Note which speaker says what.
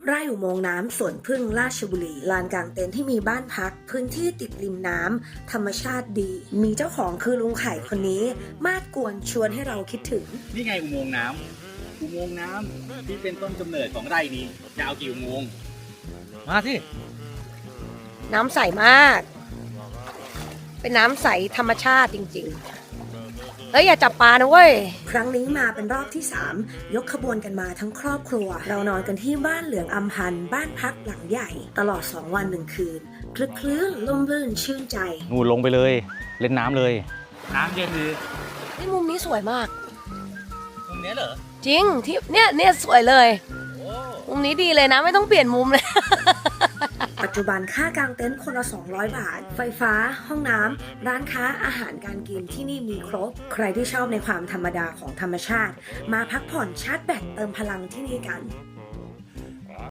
Speaker 1: ไร่อุโมงค์น้ำสวนพึ่งราชบุรีลานกลางเต็นท์ที่มีบ้านพักพื้นที่ติดริมน้ำธรรมชาติดีมีเจ้าของคือลุงไข่คนนี้มาดกวนชวนให้เราคิดถึง
Speaker 2: นี่ไงอุโมงค์น้ำที่เป็นต้นกำเนิดของไร่นี้จะเอากี่อุโมงค์มาสิ
Speaker 1: น้ำใสมากเป็นน้ำใสธรรมชาติจริงๆอย่าจับปลานะเว้ยครั้งนี้มาเป็นรอบที่3ยกขบวนกันมาทั้งครอบครัวเรานอนกันที่บ้านเหลืองอำพันธ์บ้านพักหลังใหญ่ตลอด2 วัน 1 คืนคลึกคลื้นร่มรื่นชื่นใจ
Speaker 2: งูลงไปเลยเล่นน้ำเลยน้ำเย็นดี
Speaker 1: นี่มุมนี้สวยมาก
Speaker 2: มุมนี้เหรอ
Speaker 1: จริงที่เนี่ยสวยเลยมุมนี้ดีเลยนะไม่ต้องเปลี่ยนมุมเลยปัจจุบันค่ากางเต็นท์คนละ200 บาทไฟฟ้าห้องน้ำร้านค้าอาหารการกินที่นี่มีครบใครที่ชอบในความธรรมดาของธรรมชาติมาพักผ่อนชาร์จแบตเติมพลังที่นี่กัน